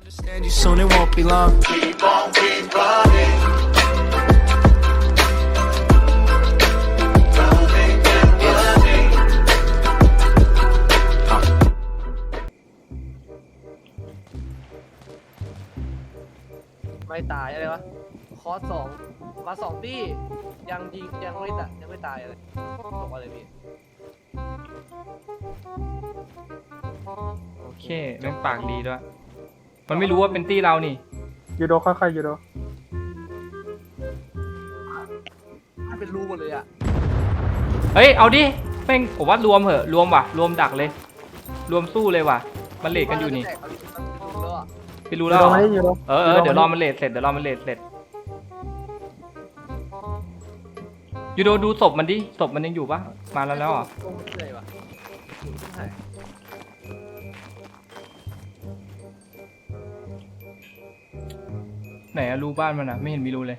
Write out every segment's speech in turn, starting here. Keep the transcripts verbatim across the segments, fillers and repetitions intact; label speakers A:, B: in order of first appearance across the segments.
A: Understand you soon, it won't be long. Keep on keep running. Running and running.
B: ไม่ตายอะไรวะคอร์สสองมาสองตี้ยังยิงยังไม่ตายยังไม่ตายอะไรตกอะไรพี่
C: โอเคแม่งปากดีด้วยมันไม่รู้ว่าเป็นตี้เรานี่
D: ยูโดค่อยๆยูโด
B: มันเป็นรูหมดเลยอ่ะ
C: เฮ้ยเอาดิแม่งผมว่ารวมเหอะรวมว่ะรวมดักเลย รวมสู้เลยว่ะมันเลทกันอยู่นี่
B: แล้วอ่ะ
C: ไปรู้
D: ยู
C: แล้ว
D: โด
C: เหรอ
D: มาดิยูโด
C: เออเออเดี๋ยวรอมันเลทเสร็จเดี๋ยวรอมันเลทเสร็จยูโดดูศพมันดิศพมันยังอยู่ปะมาแล้วแล้วเหรอ
B: ตรงนี้เลยวะใช่
C: ไหนอะรูบ้านมันอะไม่เห็นมีรูเลย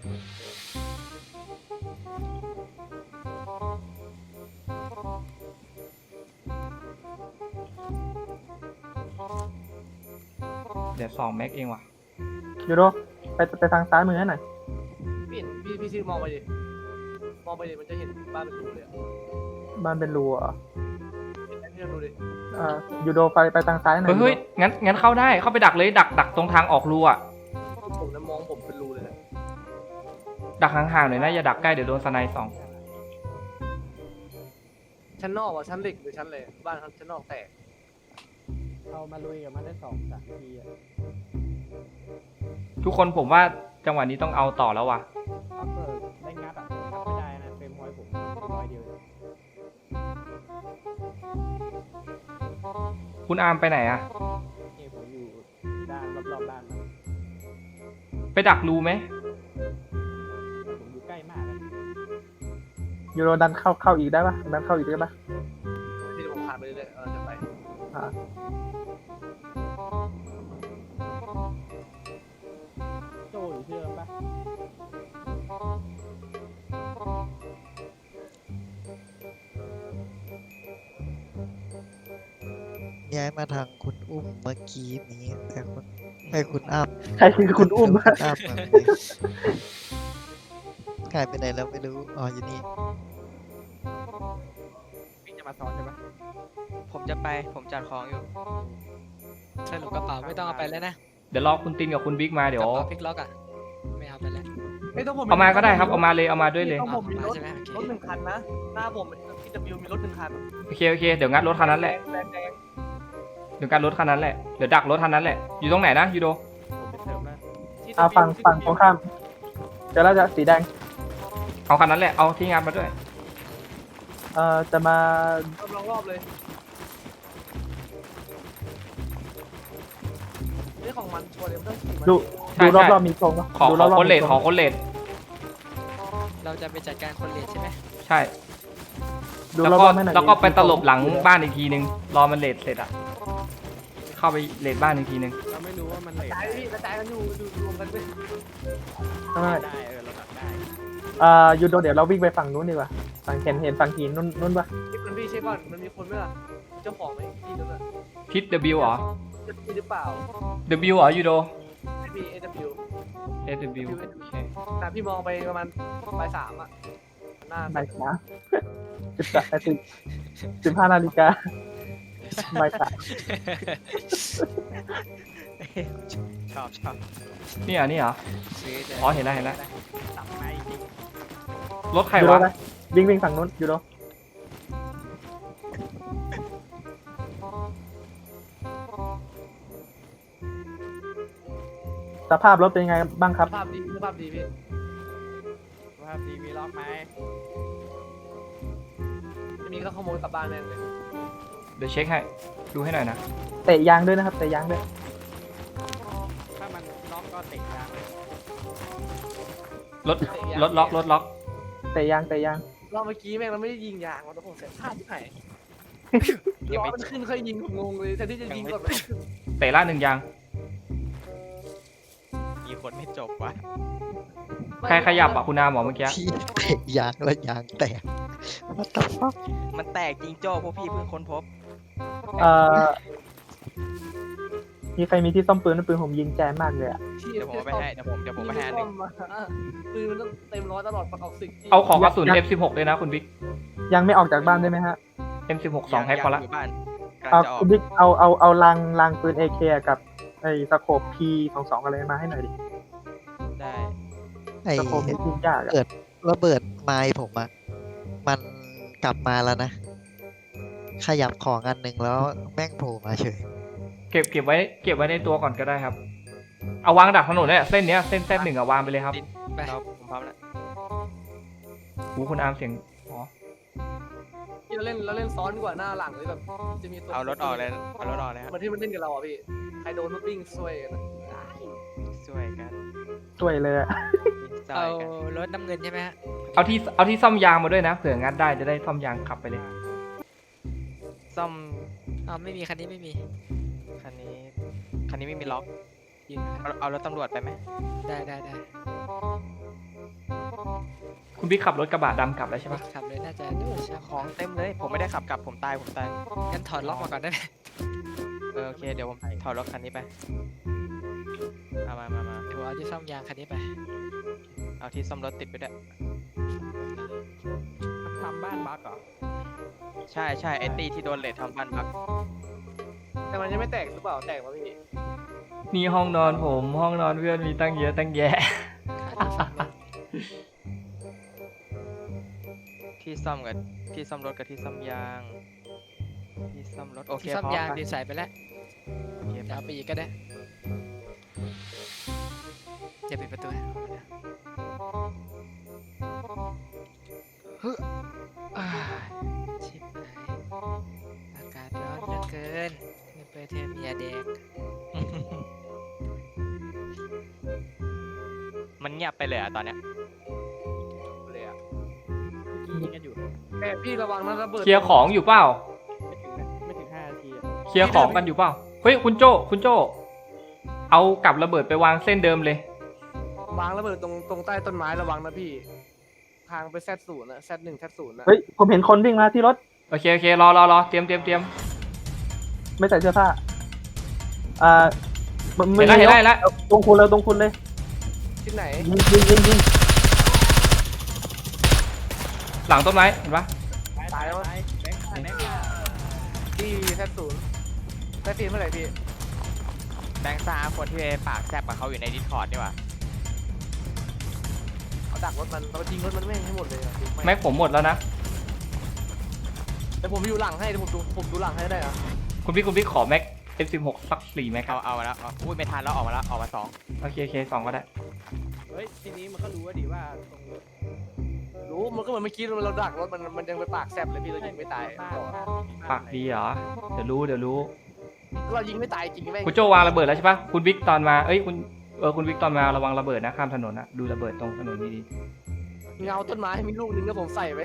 C: เดี๋ยวสองแม็กเองว่ะ
D: ยูโดไปไปทางซ้ายมือให้หน่อย
B: พี่เห็นพี่พี่ชื่อมองไปดิมองไปดิมันจะเห็นบ้านเป็นรูเลยอ่ะ
D: บ้านเป็นรูอ่ะ
B: เห็นไหมพี่ลองดูดิ
D: เอ่อยูโดไปไปทางซ้ายหน่อย
C: เฮ้ยเฮ้ยงั้นงั้นเข้าได้เข้าไปดักเลยดักดักตรงทางออกรูอะ
B: ผมนะมองผมเป็นรูเลยนะ
C: ดักห่างๆหน่อยนะอย่าดักใกล้เดี๋ยวโดนสไนด์สอง
B: ชั้นนอกอ่ะชั้นเหล็กหรือชั้นอะไรบ้านชั้นนอกแตก
E: เอามาลุยกับมันได้สองสามทีอ่ะ
C: ทุกคนผมว่าจังหวะนี้ต้องเอาต่อแล้วว่ะ
E: ถ้าเกิดได้งัดอ่ะงัดไม่ได้นะเฟรมพอยต์ผมร้อยเดียวเลย
C: คุณอาร์มไปไหนอะ
E: นี่ผมอยู่ด้านรอบๆบ้านมัน
C: ไปดักรูไหม
E: ผมอยู่ใกล้มากเลย
D: ยูโดดันเข้าเข้าอีกได้ปะดันเข้าอีกได้ปะ
B: ที่ผมผ่านไปเรื่อยๆเออจะไป
D: อ่า
E: โจอยู่ที่เดิมปะ
F: ย้ายมาทางคุณอุ้มเมื่อกี้นี้แต่คุณให้คุณอ้ำ
D: ใครคือคุณอุ้ม
F: คุณอ้ำมาเลยหายไปไหนแล้วไม่รู้อ๋ออยู่นี่
E: พี่จะมาซ้อนใช่ปะ
G: ผมจะไป ผมจัดของอยู่สรุปกระเป๋าไม่ต้องเอาไปแล้วนะ
C: เดี๋ยวรอคุณตินกับคุณบิ๊กมาเดี๋ยว
G: กระเป๋าพลิกล็อกอ่ะ ไม่เอาไปแล้ว
B: ไม่ต้องผม
C: เอามาก็ได้ครับเอามาเลยเอามาด้วยเลย
B: ต้องผมมีรถ
G: ใช่ไหมโอเค
B: รถหนึ่งคันนะหน้าผมพี่จะบิวมีรถหนึ่งคัน
C: โอเคโอเคเดี๋ยวงัดรถคันนั้นแหละ
B: แดงแดง
C: เดี๋ยวงัดรถคันนั้นแหละเดี๋ยวดักรถคันนั้นแหละอยู่ตรงไหนนะยูโด
E: ผมไปเติมแล้ว
B: ที่
D: อ่าฝั่งฝั่งตรงข้ามเดี๋ยวเราจะสีแดง
C: เอาคันนั้นแหละเอาที่งัดมาด้วย
D: เอ่อจะมา
B: รอบรอบเลยนี่ของมันชัวร์เลยไม่ต้องขี่มัน
D: ดู
C: ใช่
D: ดูร
C: ใช่
D: อบๆมีธงปะ
C: ขอ
D: ดู
C: ข
D: ร
C: อ
D: อบๆ
C: คนเลท
D: มีธง
C: ขอคนเลท
G: เราจะไปจัดการคนเลทใช่ไหม
C: ใช่
D: ดู
C: แล้ว
D: ร
C: ก็
D: อบๆให้หน่อย
C: แล้วก็ไปตลบหลังบ้านอีกทีนึงรอมันเลทเสร็จอะเข้าไปเลทบ้านอีกทีนึง
E: เราไม่รู้ว่ามันเลท
B: กระจายพี่กระจายกันอยู่อยู่รวมกันด้วย
D: ใช่
E: ได้เออเราตัดได้
D: เอ่อยูโดเดี๋ยวเราวิ่งไปฝั่งนู้นดีกว่าฝั่งเห็นเห็นฝั่งหินนู้นนู้นปะ
B: ที่มันพี่เช็คก่อนมันมีคนไหมล่ะเจ้าของไหมที่นั่นน่ะ
C: ทิศ W เหรอ
B: จะมีหรือเปล่า
C: W เหรอยูโด
B: ไม่มี เอ ดับเบิลยู
C: S W โอเค
B: แต่พี่มองไปประมาณบ่ายสามอ่ะหน้า
D: บ่ายสามสิบสามนาทีสิบห้านาฬิกาบ่ายสาม
E: ชอบชอบ
C: นี่เหรอนี่เหรอ
G: ซื้อจะ
C: อ๋อเห็นแล้วเห็นแล้ว
E: ตับไม้จริง
C: รถใคร
D: ยูโด
C: วะ
D: ไปวิ่งวิ่งฝั่งนู้นยูโดสภาพรถเป็นยังไงบ้างครับ
B: สภาพดีสภาพดีพี่
E: สภาพดีมีล็อกไหม
B: ไม่มีก็ขโมยกลับบ้านแม่งเลย
C: เดี๋ยวเช็คให้ดูให้หน่อยนะ
D: เตะยางด้วยนะครับเตะยางด้วย
E: ถ้ามันล็อกก็เตะยางเลย
C: รถรถล็อกรถล็อก
D: เตะยางเตะยาง
B: รอบเมื่อกี้แม่งเราไม่ได้ยิงยางเราต้องเสียพลาดที่ไหนล้อมันขึ้นค่อยยิงผมงงเลยแทนที่จะยิงก่อนมันขึ้น
C: เตะล่าหนึ่งยาง
E: มีคนไม่จบวะ
C: ใครขยับอ่ะคุณอาหมอเมื่อกี้
F: ที่เตะยางแล้วยางแตกว่าต ฟัก
G: มันแตกจริงโจ้พวกพี่เพิ่งค้นพบ
D: เอ่อมีใครมีที่ซ่อมปืนปืนผมยิงแจมมากเลยอะ
G: เดี๋ยวผมเอาไปให้เดี๋ยวผมเดี๋ยวผมไปให้อันหนึ่ง
B: ปืนมันต้องเต็มร้อยตลอดประกอบสิบ
C: เอาของกระสุน เอ็ม สิบหก เลยนะคุณบิ๊ก
D: ยังไม่ออกจากบ้านได้ไหมฮะ
C: เอ็ม สิบหก สองแพ็คพอละ
G: ยู่บ้านกำลั
D: เอา
G: งจะออก
D: คุณบิ๊กเอาเอาเอาลังลังปืนเอเคกับไอ้สโคปพีสองสองอะไรมาให้หน่อยดิ
G: ได้
F: ไอ้
D: สโคปนี่ยิงยากอะ
F: เกิดระเบิดไม้ผมอะมันกลับมาแล้วนะ ขยับของอันหนึ่งแล้วแม่งโผล่มาเฉย
C: เก็บเก็บไว้เก็บไว้ในตัวก่อนก็ได้ครับ เอาวางดักถนนเนี่ยเส้นเนี้ยเส้นเส้นหนึ่งอะวางไปเลยครับ
G: ไปเราผมพร้อมแล้ว
C: หูคุณอาร์มเสียงอ๋อ
B: ที่เราเล่นเราเล่นซ้อนดีกว่าหน้าหลังเลยแบบจะมีตัว
G: เอารถออกเลยเอารถออกเลยครับ
B: เหมือนที่มันเล่นกับเราอ่ะพี่ใครโดนมันวิ่งซวยกันอะ
G: ช่วยกัน
D: ช่วยเลยอะ
G: ช่
H: เอา
G: วยกัน
H: รถน้ำเงินใช่ไหมฮะ
C: เอาที่เอาที่ซ่อมยางมาด้วยนะเผื่องัดได้จะได้ซ่อมยางขับไปเลย
G: ซ่อม
H: อ้าวไม่มีคันนี้ไม่มี
G: คันนี้คันนี้ไม่มีล็อก
H: ยิงนะ
G: เอาเอารถตำรวจไปไหม
H: ได้ได้ได้
C: คุณบิ๊กขับรถกระบะดำกลับแล้วใช่ปะ
H: ขับเลยน่าจะดูใช่
G: ของเต็มเลย ผมไม่ได้ขับกลับผมตายผมตาย
H: งั้นถอดล็อกมาก่อนได้ไหม
G: เออโอเคเดี๋ยวผมถอดรถคันนี้ไปเอามามามา
H: เดี๋ยวเอาที่ซ่อมยางคันนี้ไป
G: เอาที่ซ่อมรถติดไปด้วย
E: ทำบ้านบักเหรอ
G: ใช่ใช่ไอตีที่โดนเลททำบ้านพัก
B: แต่มันยังไม่แตกหรือเปล่าแตกวะพี่
C: นี่ห้องนอนผมห้องนอนเพื่อนมีตั้งเยอะตั้งแยะ
H: ขาที่ซ่อมรถ
G: ที่ซ่อมกับที่ซ่อมรถกับที่ซ่อมยางที่ซ่อมรถโอเค
H: ที่ซ่อม
G: พร้อม
H: ยาง
G: ไป
H: ดีใส่ไปแล้ว
G: โอเค
H: เดี๋ยวเอาไปอีกก็ได้จะปิดประตูให้เฮ้ยอ่าชิบหายอากาศร้อนเหลือเกินนี่เปิดเทอมยาแดง
G: มันเงียบไปเลยอะตอนเนี้ย
B: เลยอ่ะ
E: ยิงกันอยู่
B: แต่พี่ระวังนะระเบิด
C: เคลียร์ของอยู่เปล่า
E: ไม่ถึงนะไม่ถึงห้านาทีอะ
C: เคลียร์ของกันอยู่เปล่าเฮ้ยคุณโจ้คุณโจ้เอากับระเบิดไปวางเส้นเดิมเลย
B: วางระเบิดตรงตรงใต้ต้นไม้ระวังนะพี่ ทางไปแซดศูนย์นะแซดหนึ่งแซดศูนย์นะ
D: เฮ้ยผมเห็นคนวิ่งมาที่รถ
C: โอเคโอเครอรอรอเตรียมเตรียมเตรียม
D: ไม่ใส่เสื้อผ้าอ่ามัน
C: เห็นแล้วเห็นแล้วเห็นแล้ว
D: ตรงคุณเลยตรงคุณเลย
B: ที่ไหน
D: ยิงยิงยิงยิง
C: หลังต้นไม้เห็นปะ
B: ตายแล้วมั้ง
E: แบงค์แบงค์
B: ที่แซดศูนย์แซดสี่เมื่อไหร่พี่
G: แบงค์ซ่าคนที่ปากแซบกับเขาอยู่ในดิสคอร์ดนี่หว่า
B: เอาดักรถมันเรายิงรถมันไม่งให้หมดเลยอะ
C: แม็กผมหมดแล้วนะ
B: แต่ผมอยู่หลังให้เดี๋ยวผมดูผมดูหลังให้ได้อะ
C: คุณพี่คุณพี่ขอแม็ก เอ็ม สิบหก สักสี่แม็กค
G: เอา
C: รับ
G: เอามาแล้วเอาอุ้ยไม่ทันแล้วออกมาแล้วออกมาสอง
C: โอเคโอเคสองก็ได้
E: เฮ้ยทีนี้มันก็รู้ว่าดีว่าตรงรถ
B: รู้มันก็เหมือนเมื่อกี้เราดักรถมันมันยังไปปากแซบเลยพี่เรายิงไม่ตาย
E: บ้านบ้าน
C: ปากดีเหรอเดี๋ยวรู้เดี๋ยวรู้
B: เรายิงไม่ตายจริงแม่ง
C: คุณโจวางระเบิดแล้วใช่ปะคุณบิ๊กตอนมาเอ้ยคุณเออคุณบิ๊กตอนมาระวังระเบิดนะข้ามถนนนะดูระเบิดตรงถนนดี
B: เงาต้นไม้มีลูกนึงก็ผมใส่ไป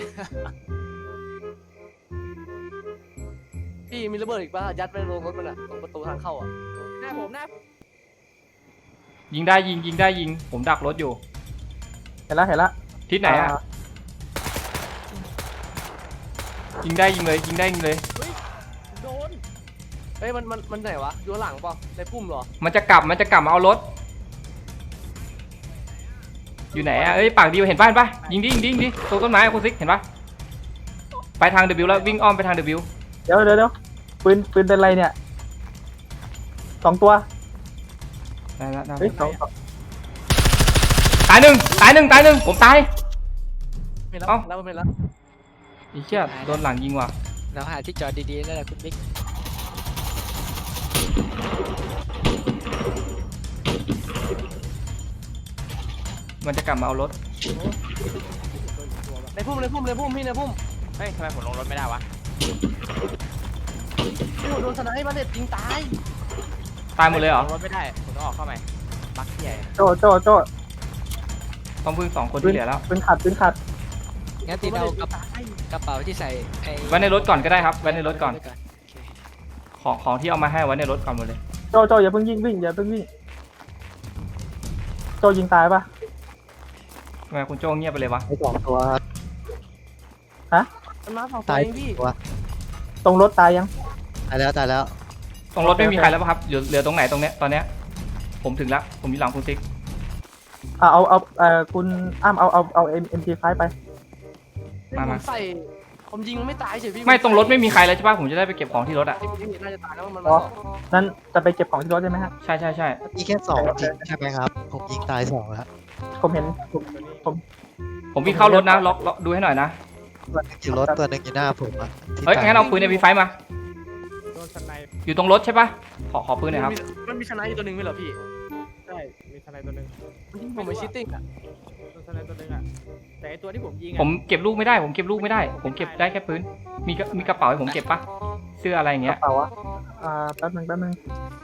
B: พี่มีระเบิดอีกป่ะยัดไปลงรถมันอะตรงประตูทางเข้าอะ
E: หน้าผมหน้า
C: ๆยิงได้ยิงยิงได้ยิง ผมดักรถอยู่
D: เห็นแล้วเห็นแล้ว
C: ทิศไหนอะยิงได้ยิงเลยยิงได้ยิงเลย
E: โดน
B: เฮ้ยมันมันมันไหนวะอยู่ข้างหลังเปล่าในพุ่มเหรอ
C: มันจะกลับมันจะกลับมาเอารถ อยู่ไหนอะเอ้ยปากดีเห็นป่ะเห็นป่ะยิงดิยิงดิยิงดิตรงต้นไม้อะคุณซิกเห็นป่ะไปทาง W แล้ววิ่งอ้อมไปทาง W
D: เดี๋ยวเดี๋ยวเดี๋ยวปืนปืนเป็นไรเนี่ยสองตัว
C: ได้แล้วได้
D: เฮ้ย
C: แล้ว
D: สองสอง
C: ตายหนึ่งตายหนึ่งตายหนึ่งผมตาย
B: ไม่แล้ว
C: เอ้า
B: แล้วไม่แล้ว
C: อีเชี่ยโดนหลังยิงว่ะ
H: เราหาที่จอดดีๆแล้วแหละคุณบิ๊ก
C: มันจะกลับมาเอารถ
B: ในพุ่มในพุ่มในพุ่มพี่ในพุ่ม
G: เฮ้ยทำไมผมลงรถไม่ได้วะ
B: โอ้โหโดนสไนป์มาเด็ดยิงตาย
C: ตายหมดเลยเหรอ
G: ลงรถไม่ได้ผมต้องออกเข้าใหม่บักใหญ่
D: โจโจโจ
C: ต้องพึ่งสองคนที่เหลือแล้ว
D: ปืนขัดปืนขัด
H: งั้นตีเรากระกระเป๋าที่ใส่ไอ้
C: ไว้ในรถก่อนก็ได้ครับไว้ในรถก่อน
H: ไว้โอเค
C: ของของที่เอามาให้ไว้ในรถก่อนหมดเลย
D: โจโจอย่าเพิ่งยิงวิ่งอย่าเพิ่งวิ่งโจยิงตายปะ
C: ทำไมคุณโจ้เงียบไปเลยวะ
F: ไอ้สองตัว
B: มันมาฝั่งตัว
F: ตาย
B: เองพี่
F: ตัว
D: ตรงรถตายยัง
F: ตายแล้วตายแล้ว
C: ตรงรถไม่มีใครแล้วป่ะครับเหลือเหลือตรงไหนตรงเนี้ยตอนเนี้ยผมถึงแล้วผมอยู่หลังคุณซิก
D: เอาเอาเอาเอ่อคุณอ้ามเอาเอาเอาเอ็มเอ็มพีไฟไป
C: มา
B: ผ
C: มา
B: มใส่ผมยิงมันไม่ตายเฉยพี่
C: ไม่ตรงรถไม่มีใครเลยใช่ป่ะผมจะได้ไปเก็บของที่รถอ่ะ
B: ที่ที่น่าจะตายแล้วมัน
D: อ๋
B: มา
D: อ นั้นจะไปเก็บของที่รถใช่ไหมฮะ
C: ใช่ใช่ใช่
F: มีแค่สองจริงใช่ไหมครับ ผมยิงตายสองแล้ว
D: ผมเห็นผมผม
C: ผมวิ่งเข้ารถนะล็อกล็อกดูให้หน่อยนะ
F: ตัวหนึงอยู่รถตัวหนึงอยู่หน้าผมอะที่
C: เฮ้ย
F: ตาย
C: งั้นเอาปืนในพีไฟมา
E: โดนสไนป์
C: อยู่ตรงรถใช่ป่ะขอขอปืนหน่อยครับ
B: มันมีชนะอยู่ตัวหนึ่งไหมเหรอพี่
E: ใช่มีสไนป์ตัวหนึง
B: ผมไปชิตติ้งอ่ะ
E: โดนสไนป์ตัวหนึงอ่ะแต่ไอตัวที่ผมยิง
C: ผ
E: อ่ะ
C: มเก็บลูกไม่ได้ผมเก็บลูกไม่ได้ ผมเก็บได้แค่ปืนมีกระมีกระเป๋าให้ผมเก็บป่ะเสื้ออะไรอย่าง
D: ก
C: เงี้ย
D: ระเป๋าอะอ่าแป๊บนึงแป๊บนึง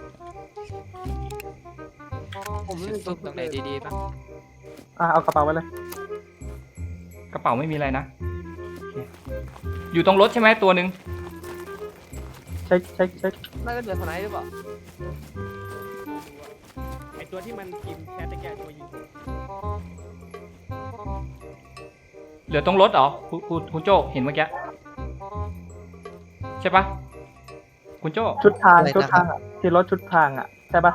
B: ผม
H: ซุ่มซุ่มตรงไหนดีๆบ้าง
D: อ่าเอากระเป๋าไปเลย
C: กระเป๋าไม่มีอะไรนะโอเคอยู่ตรงรถใช่ไหมตัวหนึ่ง
D: เช็คเช็คเช็ค
B: น่าจะเหลือสไนด์หรือเปล่า
E: ไอตัวที่มันพิมพ์แชทตะแกรงตัวยิงผม
C: เหลือตรงรถเหรอคุณคุณคุณโจเห็นเมื่อกี้ใช่ปะคุณโจ
D: ชุดทางชุดทางอะที่รถชุดทางอะใช่ปะ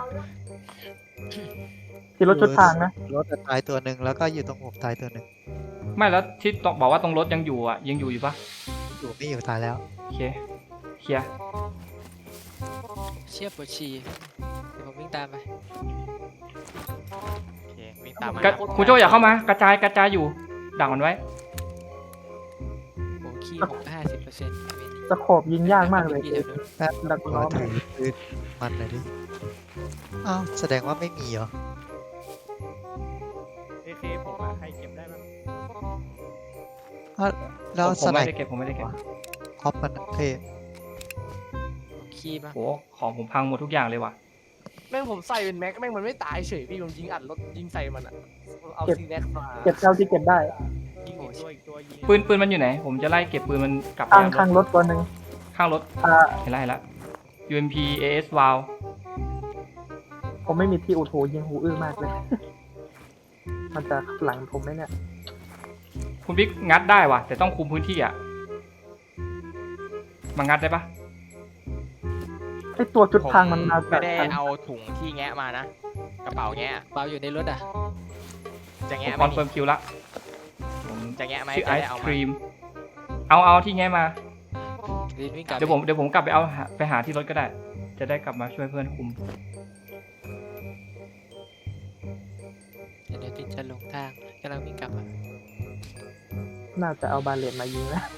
D: ที่รถชุดทางนะ
F: รถอะตายตัวหนึ่งแล้วก็อยู่ตรงผมตายตัวหนึ่ง
C: ไม่แล้วที่ต้องบอกว่าตรงรถยังอยู่อ่ะยังอยู่อยู่ปะ
F: อยู่ไม่อยู่ตายแล้ว
C: โอเคเคลียร์
H: เชียบปวดฉี่เดี๋ยวผมวิ่งตามไป
G: โอเควิ่งตามมา
C: กระคุณโจอย่าเข้ามากระจายกระจายอยู่ดักมันไว้
H: โอ้ขี้ผมห้าสิบเปอร์เซ็นต์
D: สโคบยิงยากมากเลย
H: พี่เดี๋ยวนู้น
F: แป๊บ
D: ดัก
F: ข
D: ล้
F: อ
D: อม
F: ถือปืนมันหน่อยดิอ้าวแสดงว่าไม่มีเหรอ
E: เอเคผมอะใครเก็บได้บ้าง
F: อ้าวแล้ว
C: ผมผ
F: ส
C: ม
F: ไน
C: ไม่
F: ป์
C: ได้เก็บผมไม่ได้เก็บ
F: คอปมันเท่
H: ผมขี้บ้าง
C: โอ้ของผมพังหมดทุกอย่างเลยว่ะ
B: แม่งผมใส่เป็นแม็กแม่งมันไม่ตายเฉยพี่ผมยิงอัดรถยิงใส่มันอ่ะเอาซีแน็กมา
D: เก็บเท่าที่เก็บได้
E: ยิงอีกตัวอีกตัวยิง
C: ปืนปืนมันอยู่ไหน ผมจะไล่เก็บปืนมันกลับไป
D: ข้าง
C: ยังร
D: ข้าง
C: ถ
D: รถตัวหนึ่ง
C: ข้างรถ
D: อ่า
C: เห็นแล้วเห็นแล้ว ยู เอ็ม พี เอ เอส วาล
D: ผมไม่มีที่อูโถยิงหูอื้อมากเลย มันจะหลังผมไหมเนี่ย
C: คุณบิ๊กงัดได้ว่ะแต่ต้องคุมพื้นที่อ่ะมางัดได้ปะ
D: ไอตัวชุดทางมันมา
G: ไม่
D: จาก
G: ได้
D: ทาง
G: เอาถุงที่แงะมานะ กระเป๋าแงะ
H: เปล่าอยู่ในรถอ่ะ
G: จะ
C: ผม
G: แงะ
C: ค
G: ไหม
C: อนเฟิร์มคิวละผม
G: จะแงะไหม
C: ชื่อ
G: จะ
C: ไอ
G: ได้
C: ศ
G: เอา
C: ค
G: มา
C: รีมเอาเอาที่แง่มา
H: รีนวิ่งกลับ
C: เดี๋ยวผมเดี๋ยวผมกลับไปเอาหาไปหาที่รถก็ได้ จะได้กลับมาช่วยเพื่อนคุม
H: เดี๋ยวดินจะลงทางกำลังวิ่งกลับอะ
D: น่าจะเอาบาเลตมายิงนะ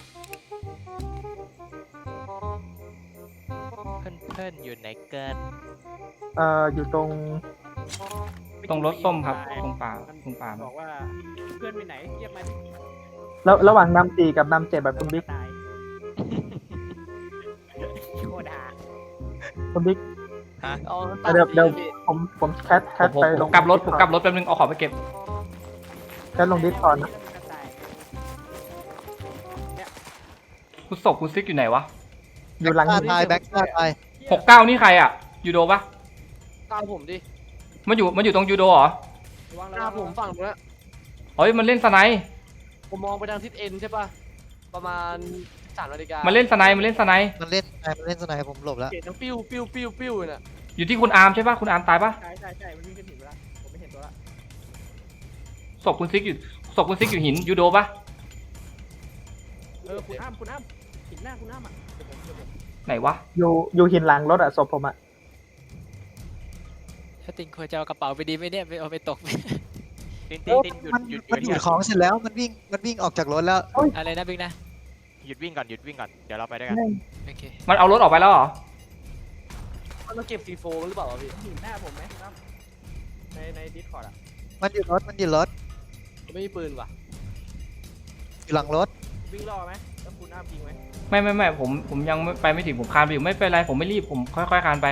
G: เพื่อนเพื่อนอยู่ไหนเกิน
D: เอ่ออยู่ตรง
C: ตรงรถส้มครับตรงป่าตรงป่า
E: บอกว่าเพื่อนไปไหนเรียกมาดิ
D: แล้วระหว่างนำสี่กับนำเจ็ดแบบคุณบิ๊ก
E: ตายโคดา
D: คุณบิ๊ก
B: เอา
D: เดี๋ยวเดี๋ยว ผมผมแคทแค
C: ผม
D: ท
C: ผม
D: ไป
C: ผ
D: ล
C: ม
D: ง
C: กลับรถผมกลับรถแป๊บนึงเอาของไปเก็บ
D: แคทลงดิสก่อนนะ
C: คุณศพคุณซิกอยู่ไหนวะ
D: อยู่หลัง
F: ฆ่าตายแบ็คฆ่าตาย
C: หกเก้านี่ใครอ่ะยูโดปะ
B: ตามผมดิ
C: มันอยู่มันอยู่ตรงยูโดเหรอ
E: ระวัง
B: ห
E: ระ
B: น้า
E: วัง
B: ผมฝั่งนู้นนะ
C: เฮ้ยมันเล่นสไนป์
B: ผมมองไปทางทิศเอ็นใช่ป่ะประมาณสามนาฬิกา
C: มันเล่นสไนป์มันเล่นสไนป์
F: มันเล่นมันเล่นสไนป์ผมหลบแล้ว
B: เห็นทั้งปิ้วปิ้วปิ้วปิ้วน่ะ
C: อยู่ที่คุณอาร์มใช่ปะคุณอาร์มตายปะ
E: ใช่ใช่ใช่มันวิ่งขึ้นหินไปแล้วผมไม่เห็นตัวละ
C: ศพคุณซิกอยู่ศพคุณซิกอยู่หินยูโดปะ
E: เออคุณอ้ามคุณอ้ามหินหน้าคุณอ้ามอ่ะเดี๋ยวผมเดี๋ยวผม
C: ไหนวะ
D: อยู่อยู่หินหลังรถอะศพผมอะ
H: ถ้าติงควรจะเอากระเป๋าไปดีไหมเนี่ยไปเอาไปตก
G: ตินตินตินหยุด
F: มัน
G: หยุดห
F: มัน
G: ยุ
F: ดู
G: ด
F: ดของเสร็จแล้วมันวิ่งมันวิ่งออกจากรถแล้ว
H: อะไรนะบิ๊กนะ
G: หยุดวิ่งก่อนหยุดวิ่งก่อนเดี๋ยวเราไปด้วยกัน
H: โอเค
C: มันเอารถออกไปแล้วเหรอ
B: มันมาเก็บซีโฟหรือเปล่าวะพี่
E: หินหน้าผมไหมครับในในดิสคอร์ดอ่ะ
F: มันอยู่รถมันอยู่รถ
B: ผมไม่มีปืนว่ะ
F: อยู่หลังรถ
E: วิ่งรอไหมแล้วคุณอ้ามยิงไหม
C: ไม่ไม่ไม่ผมผมยังไม่ไปไม่ถึงผมคานไปอยู่ไม่เป็นไรผมไม่รีบผมค่อยๆคานไป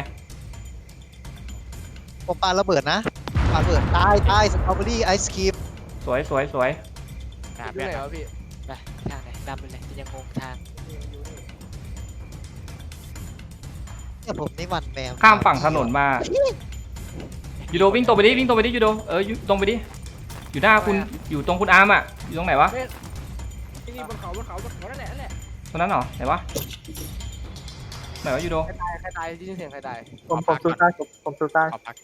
F: ผมปาระเบิดนะปาระเบิดตายตายสตรอเบอรี่ไอศครีม
C: สวยสวยสวย
G: อ่ะ
B: อยู่
G: เพื่อน
B: ไหนวะพี่
H: ไปทางไหนนำไปเลยยังงงทาง
E: นี่มันอยู่นี่
F: เนี่ยผมนี่หวันแมว
C: ข้ามฝั่งถนนมายูโดวิ่งตรงไปดิวิ่งตรงไปดิยูโดเออยูตรงไปดิอยู่หน้าคุณอยู่ตรงคุณอาร์มอ่ะอยู่ตรงไหนวะ
E: นี่นี่บนเขาบนเขาบนเขานั่นแหละนั่นแหละ
C: ตรงนั้นเหรอไหนวะไหนวะยูโด
B: ใครตายใครตายที่ยินเสียงใครตาย
D: ผมผมซูซ่าผมผมซูซ่า
G: ขอพัก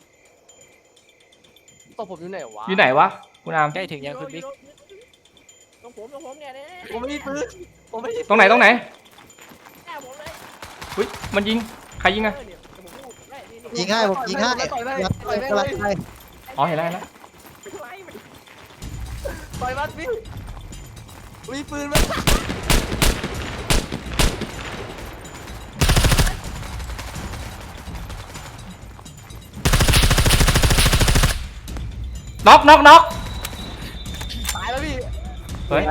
B: ตบผมอยู่ไหนวะ
C: อยู่ไหนวะคุณอาม
G: ใกล้ถึงยังคุณบิ๊ก
E: ตรงผมตรงผมเนี่ยเนี่ย
B: ผมไม่มีปืนผมไม่มี
C: ตรงไหนตรงไหน
E: แอบผมเลย
C: อุ้ยมันยิงใครยิงอะ
E: เออเนี่ยผมพูดได้นี่นี่
F: ยิงง่ายผมยิงง่าย
B: ต่อยได้
F: ยัด
B: ต่อยได้
F: กำ
B: เล
F: ลัง
B: ย
F: ไป
C: อ๋อเห็นแล้วเห็นแล้ว
E: ไล่มัน
B: ต่อยมันพี่มีปืนไหม
C: น็อกน็อกน็อก
B: ตายแล้วพี่
C: เฮ้ย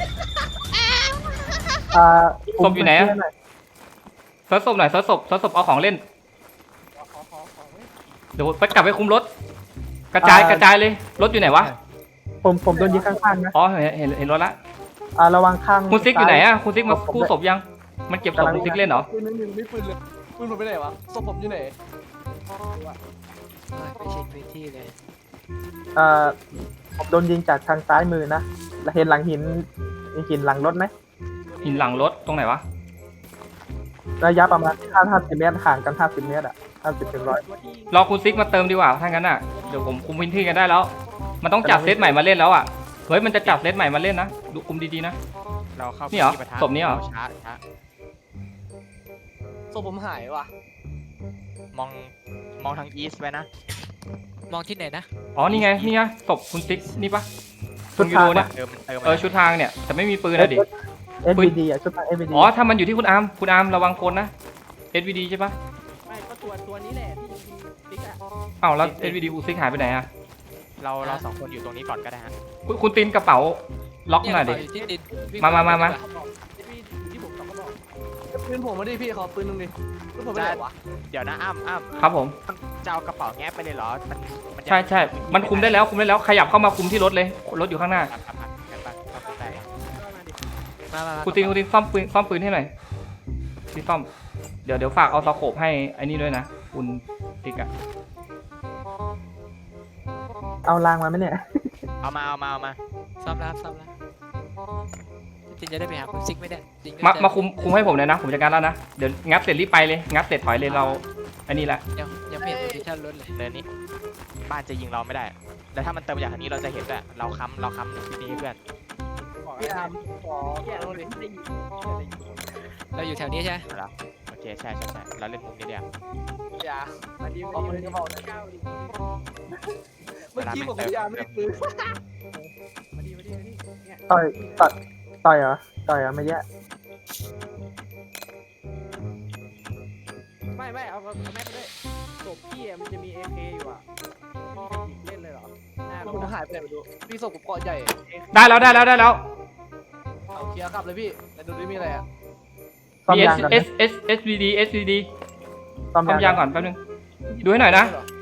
D: อ่า
C: ศพอยู่ไหนอะ เซิร์ชศพหน่อยเซิร์ชศพเซิร์ชศพเอาของเล่น
E: ขอขอขอขอเว้ย
C: เดี๋ยวไปกลับไปคุมรถ กระจายกระจายเลยรถอยู่ไหนวะ
D: ผมผมโดนยิงข้างๆนะ
C: อ๋อเห็นเห็นเห็นรถละ
D: อ่าระวังข้าง
C: คุณซิกอยู่ไหนอะคุณซิกมากู้ศพยัง มันเก็บศพคุณซิกเล่นเหรอ
B: ปืนนึงนึงไม่ปืนเลยปืนผมไปไหนวะศพผมอยู่ไหน
H: เฮ้ยไปเช็คพื้นที่เลย
D: อ่าผมโดนยิงจากทางซ้ายมือนะแล้วเห็นหลังหินหินหลังรถไหม
C: หินหลังรถตรงไหนวะ
D: ระยะประมาณห้าห้าสิบเมตรห่างกันห้าสิบเมตรอ่ะห้าสิบถึงร้อย
E: ตัวที่
C: รอคุณซิกมาเติมดีกว่าถ้างั้นอ่ะ เดี๋ยวผมคุมพื้นที่กันได้แล้ว มันต้องจับเซตใหม่มาเล่นแล้วอ่ะ เฮ้ยมันจะจับเซตใหม่มาเล่นนะ ดูคุมดีๆนะ
G: เราเข้า
C: นี่เหรอ
G: ที่ปะทะ
C: ศพนี้เหรอ
G: ช้าช้า
B: ศพผมหายว่ะ
G: มองมองทางอีสต์ไว้นะ
H: มองที่ไหนนะ
C: อ๋อนี่ไงนี่ไงศพคุณซิกนี่ปะต
D: ชุ
C: ร
D: ด
C: งยู
D: ทา
C: โรง เนี่ย
G: เติมเติม
C: เออชุดทางเนี่ยแต่ไม่มีปืนอะดิ
D: เอสวีดีอ่ะชุดทางเอสวีดี
C: อ๋อถ้ามันอยู่ที่คุณอาร์มคุณอาร์มระวังคนนะ เอส วี ดี ใช่ปะ
E: ไม่ก็ตัวตัวนี้แหละที่ยิงติ๊กอะ
C: อ้าวแล้ว เอส วี ดี คุณซิกหายไปไหนอ่ะ
G: เราเราสองคนอยู่ตรงนี้ก่อนก็ได้ฮะ
C: คุณคุณตีนกระเป๋าล็อกหน่อยดิ
H: เอยู่ที่ดินวิ่ง
C: มามามามา
H: ไปดีกว่
E: ที่ที่ผมสองก็บอก
B: ปืนผมมาดิพี่ขอปืนนึงดิปืนผมไปไหนวะ
G: เดี๋ยวนะอ้ำอ้ำ
C: ครับผม
G: จะเอากระเป๋าแงบไปเลยเหรอมันมันจะ
C: ใช่ใช่มันคุมได้แล้วคุมได้แล้วขยับเข้ามาคุมที่รถเลยรถอยู่ข้างหน้า
G: ครับครับครับงั้นไปครับไป
H: มามามา
C: คุณตีนคุณตีนซ่อมปืนซ่อมปืนให้หน่อยที่ซ่อมเดี๋ยวเดี๋ยวฝากเอาสโคปให้ไอ้นี่ด้วยนะคุณติ๊กอะ
D: เอารางมาไหมเนี่ย
G: เอามาเอามาเอามา
H: ซ้อมแล้วซ้อมแล้วจินจะได้ไปหาคุณซิกไหมเนี่ยจริงก็
C: มา
H: จะ
C: มาคุมคุมให้ผมเลยนะผมจัดการแล้วนะเดี๋ยวงับเสร็จรีบไปเลยงับเสร็จถอยเลยเราอันนี้แหละ
H: ยังยังไม่เห็นโพซิชั่นรถเลย
G: เนินนี้บ้านจะยิงเราไม่ได้ แล้วถ้ามันเติมมาจากทางนี้เราจะเห็นด้วยเราค้ำเราค้ำที่นี่เพื่อน
E: บอก
B: พี่
E: แล้ว
B: อาร์มขอ
E: เหี้ย
B: เอา
E: เรา
B: ดิ
E: ไม่ได้ยิงไม่ได้ยิง
H: เราอยู่แถวนี้ใช่ไหม
G: โอเคใช่ใช่ใช่เราเล่นมุมนี้เดียว
B: อย่า
E: มาดี
B: ขอ
E: มา
B: ปื
E: ดี
B: น
E: มาก
B: ระ
E: ดี
B: บอกหน่อย
E: เก้าดิ
B: เมื่อกี้ผมพยายามไม่ได้ปืน
E: มาดีมาดีมาดีเนี่ย
D: ต่อยต่อยต่อยเหรอต่อยเหรอไม่แย่
E: ไม่ไม่เอาเอาแม็กไปด้วยศพพี่อะมันจะมีเอเคอยู่อ่ะพี่จะยิงเล่นเลยเหรอหน้า
B: คุณหายไปไหนไม่รู้พี่ส่งผมเกาะใหญ่
C: ได้แล้วได้แล้วได้แล้ว
B: เอาเคลียร์กลับเลยพี่แต่ดูดิมีอะไรอ่ะ
D: ซ่อม
C: มี
D: ยาง
C: S
D: กัน
C: S S S V D S V D
D: ซ่อม
C: ซ่อมยางก่อนแป๊บนึงดูให้หน่อยนะ
B: เหรอ